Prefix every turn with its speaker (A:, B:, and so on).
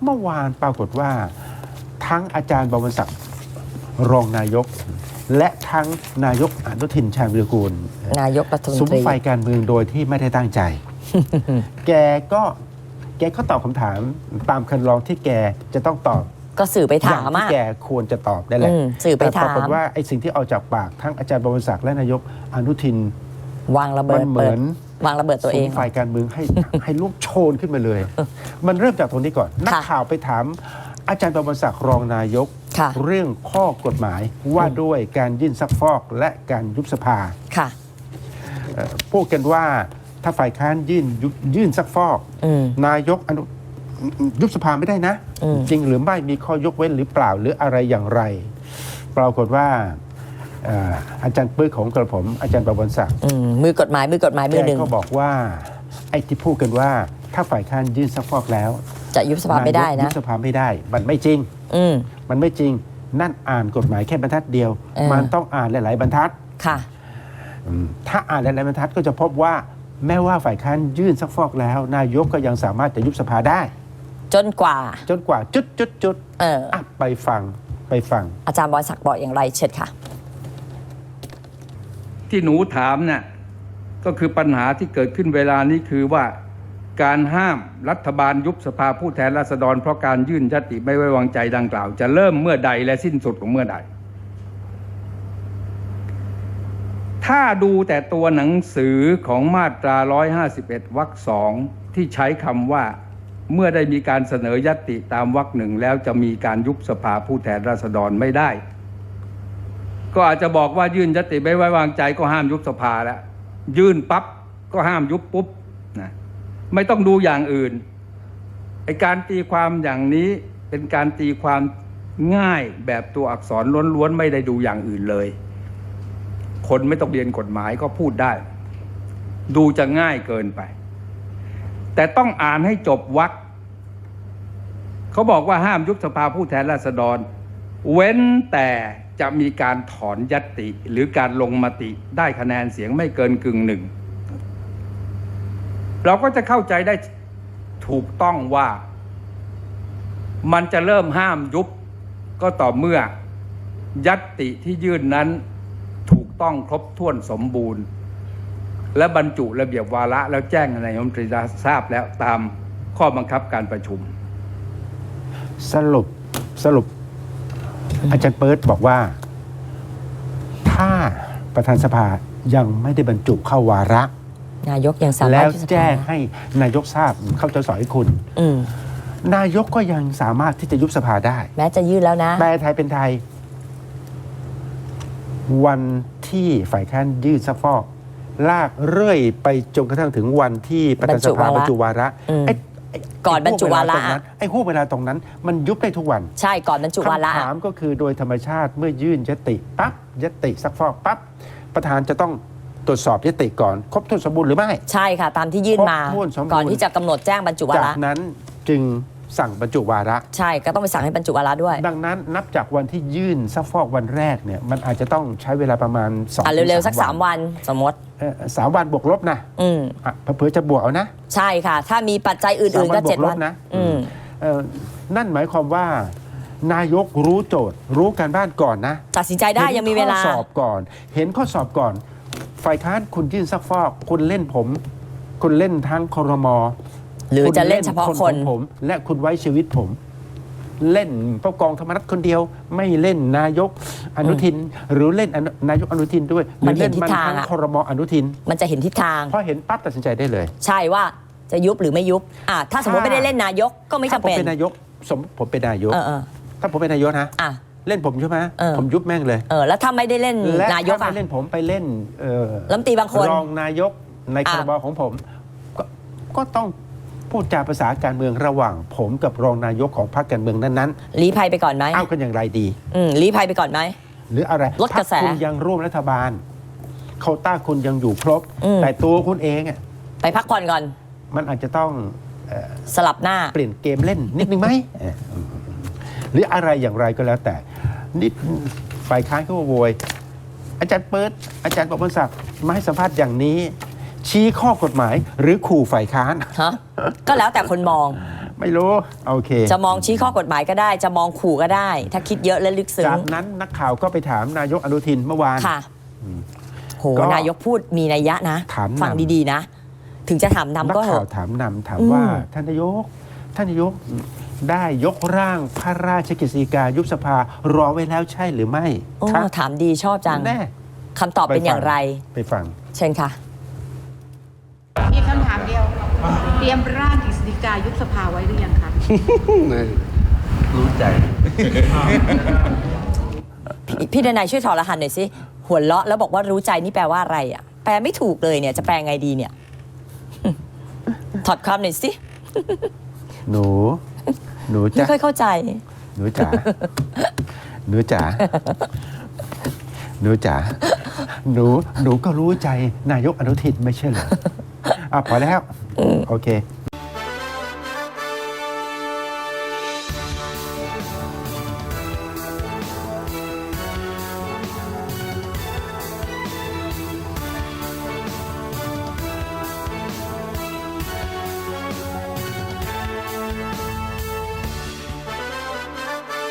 A: เมื่อวานปรากฏว่าทั้งอาจารย์บวรศักดิ์รองนายก และทั้งนายกอนุทินชาญวิรกูล
B: นายกรัฐมนตรี
A: สุมไฟการเมืองโดยที่ไม่ได้ตั้งใจ แกก็ตอบคำถามตามคันลองที่แกจะต้องตอบ
B: ก็สื่อไปถาม
A: ที่แกควรจะตอบได้แหละ
B: สื่อไปถาม
A: แต่ปรากฏว่าไอ้สิ่งที่เอาจากปากทั้งอาจารย์บวรศักดิ์และนายกอนุทิน
B: วางระเบิด
A: เหมือน
B: วางระเบิดตัวเอง
A: ฝ่ายการเมืองให้ลุกโชนขึ้นมาเลย มันเริ่มจากตรงนี้ก่อนนักข่าวไปถามอาจารย์บวรศักดิ์รองนายกเรื่องข้อกฎหมายว่าด้วยการยื่นซักฟอกและการยุบสภาพูดกันว่าถ้าฝ่ายค้านยื่นซักฟอกนายกยุบสภาไม่ได้นะจริงหรือไม่มีข้อยกเว้นหรือเปล่าหรืออะไรอย่างไรปรากฏว่าอาจารย์ปื้อของกระผมอาจารย์บวรศักดิ์
B: มือกฎหมายมือหนึ่ง
A: ก็บอกว่าไอ้ที่พูดกันว่าถ้าฝ่ายค้านยื่นซักฟอกแล้ว
B: จะยุบสภาไม่ได้นะ
A: ยุบสภาไม่ได้มันไม่จริงมันไม่จริงนั่นอ่านกฎหมายแค่บรรทัดเดียวมันต้องอ่านหลายๆบรรทัด
B: ค่ะ
A: ถ้าอ่านหลายๆบรรทัดก็จะพบว่าแม้ว่าฝ่ายค้านยื่นซักฟอกแล้วนายกก็ยังสามารถจะยุบสภาได้
B: จนกว่า
A: จุดไปฟัง
B: อาจารย์บวรศักดิ์บอกอย่างไรเชิญค่ะ
C: ที่หนูถามเนี่ยก็คือปัญหาที่เกิดขึ้นเวลานี้คือว่าการห้ามรัฐบาลยุบสภาผู้แทนราษฎรเพราะการยื่นยติไม่ไว้วางใจดังกล่าวจะเริ่มเมื่อใดและสิ้นสุดของเมื่อใดถ้าดูแต่ตัวหนังสือของมาตรา151วรรค2ที่ใช้คำว่าเมื่อได้มีการเสนอยติตามวรรคหนึ่งแล้วจะมีการยุบสภาผู้แทนราษฎรไม่ได้ก็อาจจะบอกว่ายื่นยติไม่ไว้วางใจก็ห้ามยุบสภาแล้วยื่นปั๊บก็ห้ามยุบปุ๊บนะไม่ต้องดูอย่างอื่นไอ้การตีความอย่างนี้เป็นการตีความง่ายแบบตัวอักษรล้วนๆไม่ได้ดูอย่างอื่นเลยคนไม่ต้องเรียนกฎหมายก็พูดได้ดูจะง่ายเกินไปแต่ต้องอ่านให้จบวรรคเขาบอกว่าห้ามยุบสภาผู้แทนราษฎรเว้นแต่จะมีการถอนญัตติหรือการลงมติได้คะแนนเสียงไม่เกินกึ่งหนึ่งเราก็จะเข้าใจได้ถูกต้องว่ามันจะเริ่มห้ามยุบก็ต่อเมื่อญัตติที่ยื่นนั้นถูกต้องครบถ้วนสมบูรณ์และบรรจุระเบียบวาระแล้วแจ้งให้นายกรัฐมนตรีทราบแล้วตามข้อบังคับการประชุม
A: สรุปอาจารย์เปิร์ดบอกว่าถ้าประธานสภายังไม่ได้บรรจุเข้าวาระ
B: นายกยังสามารถ
A: แล้วแจ้งให้นายกทราบเข้าใจสอยคุณนายกก็ยังสามารถที่จะยุบสภาได้
B: แม้จะยื่นแล้วนะ
A: แปลไทยเป็นไทยวันที่ฝ่ายค้านยื่นซักฟอกลากเรื่อยไปจนกระทั่งถึงวันที่ประธานสภาบรรจุวาระ
B: ก่อนบรรจุวาระ
A: ไอ้ห่วงเวลาตรงนั้นมันยุบได้ทุกวัน
B: ใช่ก่อนบรรจุวาระ
A: คำถามก็คือโดยธรรมชาติเมื่อยื่นยติปั๊บยติซักฟอกปั๊บประธานจะต้องตรวจสอบยติก่อนครบถ้วนสมบูรณ์หรือไม่
B: ใช่ค่ะตามที่ยื่นมาก่อนที่จะกำหนดแจ้งบรรจุวาระ
A: จากนั้นจึงสั่งบรรจุวาระ
B: ใช่ก็ต้องไปสั่งให้บรรจุวาระด้วย
A: ดังนั้นนับจากวันที่ยื่นซักฟอกวันแรกเนี่ยมันอาจจะต้องใช้เวลาประมาณ
B: 2 เร็วๆสัก3 วันสมมติ
A: 3 วันบวกลบนะเผื่อจะบวกเอานะ
B: ใช่ค่ะถ้ามีปัจจัยอื่นๆก็7 วัน
A: นะนั่นหมายความว่านายกรู้โจทย์รู้การบ้านก่อนนะ
B: ตัดสินใจได้ยังมีเวลา
A: ข้อสอบก่อนเห็นข้อสอบก่อนฝ่ายค้านคุณยื่นซักฟอกคุณเล่นผมคุณเล่นทั้งครม.
B: หรือจะเล่นเฉพาะคน
A: ผมและคุณไว้ชีวิตผมเล่นผู้กองธรรมนัฐคนเดียวไม่เล่นนายกอนุทินหรือเล่นนายกอนุทินด้วย
B: มันเห็นทิศทาง
A: ทั้งครม.อนุทิน
B: มันจะเห็นทิศทาง
A: พอเห็นปั๊บตัดสินใจได้เลย
B: ใช่ว่าจะยุบหรือไม่ยุบถ้าสมมติไม่ได้เล่นนายกก็ไม่จำเป็น
A: ผมเป็นนายกผมเป็นนายกถ้าผมเป็นนายกนะเล่นผมใช่ไหมผมยุบแม่งเลย
B: แล้วถ้าไม่ได้เล่นนายก
A: ไม่เล่นผมไปเล่น
B: รัฐมนตรีบางคน
A: รองนายกในครม.ของผมก็ต้องพูดจาภาษาการเมืองระหว่างผมกับรองนายกของพรรคการเมืองนั้น
B: ๆลี้ภัยไปก่อนไหม
A: เอากันอย่างไรดี
B: ลี้ภัยไปก่อนไหม
A: หรืออะไร
B: ลดกระแส
A: คุณยังร่วมรัฐบาลโควต้าคุณยังอยู่ครบแต่ตัวคุณเอง
B: ไปพักผ่อนก่อน
A: มันอาจจะต้อง
B: สลับหน้า
A: เปลี่ยนเกมเล่นนิดนึงไหมหรืออะไรอย่างไรก็แล้วแต่นิดฝ่ายค้านเขาโวยอาจารย์เปิดอาจารย์บวรศักดิ์มาให้สัมภาษณ์อย่างนี้ชี้ข้อกฎหมายหรือขู่ฝ่ายค้าน
B: ก็แล้วแต่คนมอง
A: ไม่รู้โอเค
B: จะมองชี้ข้อกฎหมายก็ได้ จะมองขู่ก็ได้ ถ้าคิดเยอะและลึกซึ้ง
A: จากนั้นนักข่าวก็ไปถามนายกอนุทินเมื่อวาน
B: ค่ะโห
A: ก็
B: นายกพูดมีนัยยะนะ
A: ถามนำ
B: ฟังดีๆนะ ถึงจะถาม
A: นัก
B: นำก็เห
A: ข่าว
B: อะ
A: ถามนำถามว่าท่านนายกได้ยกร่างพระราชกฤษฎีกายุบสภารอไว้แล้วใช่หรือไม่
B: โอ้
A: ครับ
B: ถามดีชอบจัง
A: แน่
B: คำตอบเป็นอย่างไร
A: ไปฟัง
B: เชิญค่ะ
D: มีคำถามเดียว เตรียมร่างกฤษฎีกายุบสภาไว้หรือยังคะ
E: รู้ใจ
B: พี่ดนัยช่วยถอดรหัสหน่อยสิ หัวเราะแล้วบอกว่ารู้ใจนี่แปลว่าอะไรอ่ะ แปลไม่ถูกเลยเนี่ย จะแปลไงดีเนี่ย ถอดความหน่อยสิ
A: หนู
B: ไม่
A: จ๋า
B: ค่อยเข้าใจ
A: หนูจ๋าหนูจ๋าหนูจ๋าหนูก็รู้ใจนายกอนุทินไม่ใช่เหรอพอแล้วโอเค